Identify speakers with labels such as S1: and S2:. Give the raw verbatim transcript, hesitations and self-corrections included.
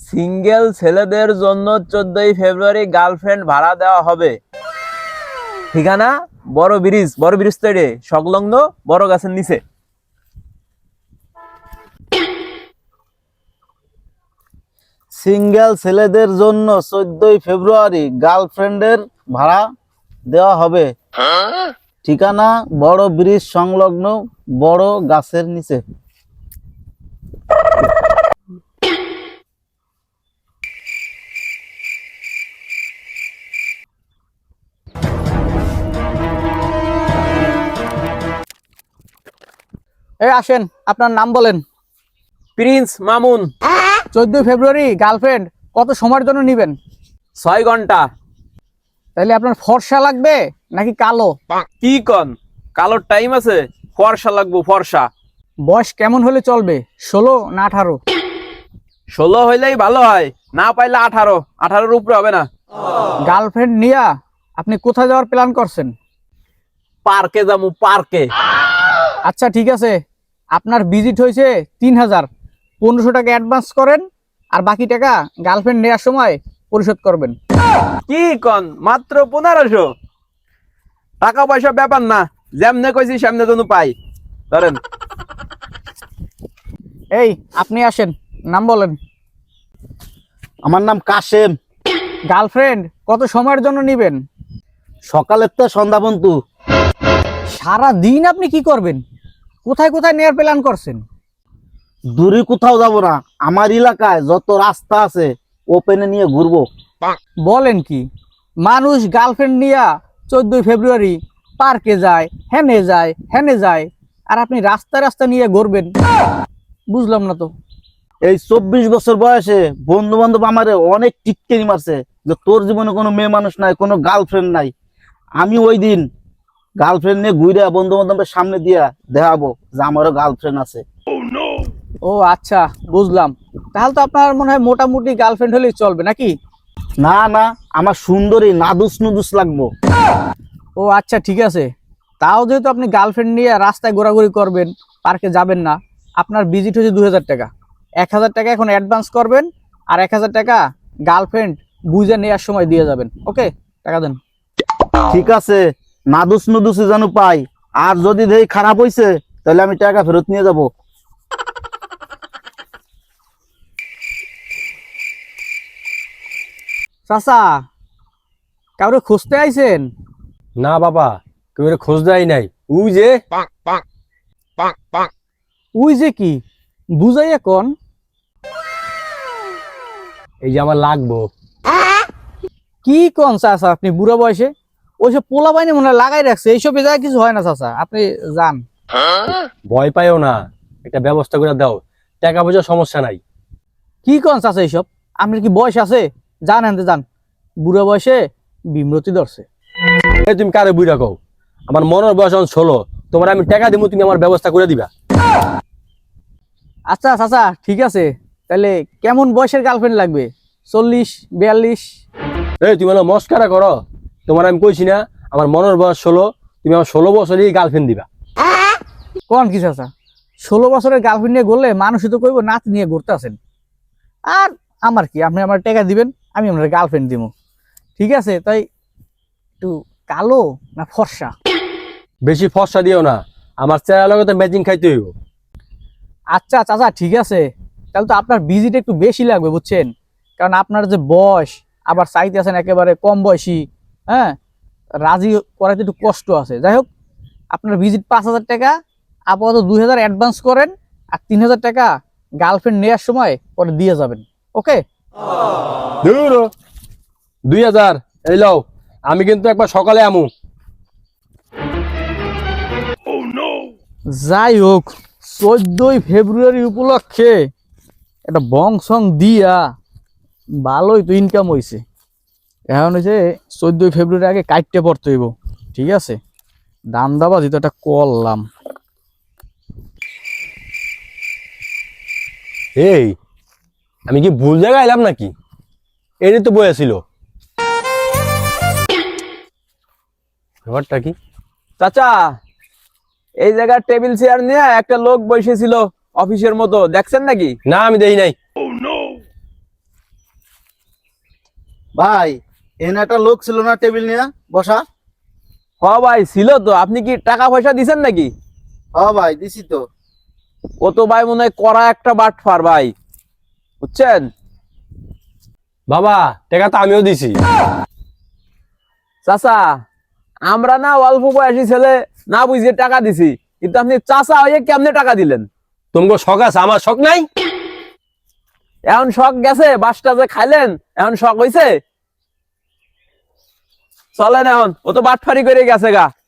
S1: Single ছেলেদের জন্য চোদ্দই ফেব্রুয়ারি গার্লফ্রেন্ড ভাড়া দেওয়া হবে। ঠিকানা বড় ব্রিজ, বড় ব্রিজ তৈরি সংলগ্ন বড় গাছের নিচে।
S2: সিঙ্গেল ছেলেদের জন্য চোদ্দই ফেব্রুয়ারি গার্লফ্রেন্ডের ভাড়া দেওয়া হবে। ঠিকানা বড় ব্রিজ সংলগ্ন বড় গাছের নিচে।
S3: এই আসেন, আপনার নাম বলেন।
S1: প্রিন্স মামুন।
S3: চোদ্দই ফেব্রুয়ারি গার্লফ্রেন্ড কত সময়ের জন্য নেবেন?
S1: ছয় ঘন্টা।
S3: তাইলে আপনার ফর্সা লাগবে নাকি কালো?
S1: কি কন, কালোর টাইম আছে? ফর্সা লাগবো, ফর্সা।
S3: বয়স কেমন হলে চলবে, ষোলো না আঠারো?
S1: ষোলো হইলেই ভালো হয়, না পাইলে আঠারো। আঠারোর উপরে হবে না।
S3: গার্লফ্রেন্ড নিয়া আপনি কোথায় যাওয়ার প্ল্যান করছেন?
S1: পার্কে যাবো, পার্কে।
S3: আচ্ছা ঠিক আছে, আপনার ভিজিট হয়েছে তিন হাজার, পনেরোশো টাকা অ্যাডভান্স করেন, আর বাকি টাকা গার্লফ্রেন্ড নেওয়ার সময় পরিশোধ করবেন।
S1: কি কন, মাত্র পনেরোশো টাকা? পয়সা ব্যাপার না, যেমনে কইছি সেমনে তো পাই। ধরেন।
S3: এই আপনি আসেন, নাম বলেন।
S2: আমার নাম কাশেম।
S3: গার্লফ্রেন্ড কত সময়ের জন্য নেবেন?
S2: সকালের তো সন্ধ্যা পর্যন্ত।
S3: সারা দিন আপনি কি করবেন? কোথায় কোথায় নেওয়ার প্ল্যান করছেন?
S2: দূরে কোথাও যাব না, আমার এলাকায় যত রাস্তা আছে ওপেনে নিয়ে ঘুরবো।
S3: বলেন কি, মানুষ গার্লফ্রেন্ড নিয়া চোদ্দই ফেব্রুয়ারি পার্কে যায়, হেনে যায় হেনে যায়, আর আপনি রাস্তা রাস্তা নিয়ে ঘুরবেন? বুঝলাম না তো।
S2: এই চব্বিশ বছর বয়সে বন্ধু বান্ধব আমারে অনেক টিটকারি মারছে যে তোর জীবনে কোনো মেয়ে মানুষ নাই, কোনো গার্লফ্রেন্ড নাই। আমি ওই দিন গার্লফ্রেন্ড নিয়ে ঘুরে বন্ধু বান্ধবের সামনে দিয়া দেখাবো যে আমারও গার্লফ্রেন্ড আছে।
S3: ও আচ্ছা, বুঝলাম। তাহলে তো আপনার মনে হয় মোটামুটি গার্লফ্রেন্ড হলেই চলবে নাকি?
S2: না না, আমার সুন্দরী নাদুস নুদুস লাগবো।
S3: ও আচ্ছা ঠিক আছে, তাও যেহেতু আপনি গার্লফ্রেন্ড নিয়ে রাস্তায় ঘোরাঘুরি করবেন, পার্কে যাবেন না, আপনার ভিজিট হচ্ছে দুই হাজার টাকা। এক হাজার টাকা এখন অ্যাডভান্স করবেন, আর এক হাজার টাকা গার্লফ্রেন্ড বুঝে নেওয়ার সময় দিয়ে যাবেন। ওকে, টাকা দেন।
S2: ঠিক আছে, নাদুস নুদুস যেন পাই, আর যদি দেই খারাপ হইছে তাহলে আমি টাকা ফেরত নিয়ে যাব।
S3: চাচা, কাউরে খুঁজতে আইছেন?
S4: না বাবা, কেউ এর খোঁজ দেয় নাই। উই যে
S3: উই যে কি, বুঝাই এখন।
S4: এই যে আমার লাগবো।
S3: কি কোন চাচা আপনি বুড়া বয়সে? ওইসব পোলা বাইনে মনে হয় লাগাই রাখছে, এইসব জায়গায় কিছু হয় না চাচা, আপনি যান।
S4: ভয় পাইও না, একটা ব্যবস্থা করে দাও, টাকা পয়সার সমস্যা নাই।
S3: কি কোন চাচা এইসব? আপনার কি বয়স আছে? যান আনতে যান, বুড়া বয়সে বিমরতি ধরছে।
S4: এই তুমি কারে বুঝা কও? আমার মনের বয়স এখন ষোলো, তোমার আমি টাকা দিব, তুমি আমার ব্যবস্থা করে দিবা।
S3: আচ্ছা চাচা ঠিক আছে, তাহলে কেমন বয়সের গার্লফ্রেন্ড লাগবে? চল্লিশ, বিয়াল্লিশ?
S4: এই তুমি হলো মস্কারা করো? তোমার আমি কইছি না আমার মনের বয়স ষোলো, তুমি আমার ষোলো বছরই গার্লফ্রেন্ড দিবা।
S3: কোন কি চাচা, ষোলো বছরের গার্লফ্রেন্ড নিয়ে ঘুরলে মানুষই তো কইব নাচ নিয়ে ঘুরতে আছেন। আর আমার কি, আপনি আমার টাকা দিবেন, আমি আপনার গার্লফ্রেন্ড দিব। ঠিক আছে, তাই একটু কালো না ফর্সা?
S4: বেশি ফর্সা দিও না, আমার চেহারা লগে তো ম্যাচিং খাইতে হইব।
S3: আচ্ছা চাচা ঠিক আছে, তাহলে তো আপনার ভিজিট একটু বেশি লাগবে বুঝছেন, কারণ আপনার যে বয়স, আবার চাইতে আছেন একেবারে কম বয়সী। হ্যাঁ, রাজি করাতে একটু কষ্ট আছে। যাই হোক, আপনার ভিজিট পাঁচ হাজার টাকা, আপাতত দুই হাজার অ্যাডভান্স করেন, আর তিন হাজার টাকা গার্লফ্রেন্ড নেওয়ার সময় পরে দিয়ে যাবেন। ওকে?
S4: দূর হ। দুই হাজার এই লও, আমি কিন্তু একবার সকালে আমু।
S3: যাই হোক, চোদ্দই ফেব্রুয়ারি উপলক্ষে একটা বং সং দিয়া ভালোই তো ইনকাম হয়েছে। এখন হয়েছে চোদ্দই ফেব্রুয়ারি আগে কাটতে পড়তে হইব। ঠিক আছে, দাম দাবাজি তো একটা করলাম।
S4: এই আমি কি ভুল জায়গায় এলাম নাকি? এটাই তো বই ছিল। ব্যাপারটা কি?
S1: চাচা, এই জায়গায় টেবিল চেয়ার নিয়ে একটা লোক বসেছিল অফিসের মতো, দেখছেন নাকি?
S4: না আমি দেই নাই।
S2: ভাই এখানে একটা লোক ছিল না টেবিল নিয়ে বসা?
S1: হ ভাই ছিল তো, আপনি কি টাকা পয়সা দিছেন নাকি?
S2: হ ভাই দিছি তো।
S1: ও তো ভাই মনে হয় করা একটা বাটফার ভাই, বুঝছেন?
S4: বাবা টাকা তো আমিও দিছি।
S1: চাচা, আমরা না অল্প বয়সী ছেলে, না বুঝে টাকা দিছি, কিন্তু আপনি চাচা হয়ে কেমনে টাকা দিলেন?
S4: তোমাকে শখ আছে, আমার শখ নাই?
S1: এখন শখ গেছে, বাসটা যে খাইলেন এখন শখ হইছে? চলেন এখন, ও তো বাটফারি করে গেছে গা।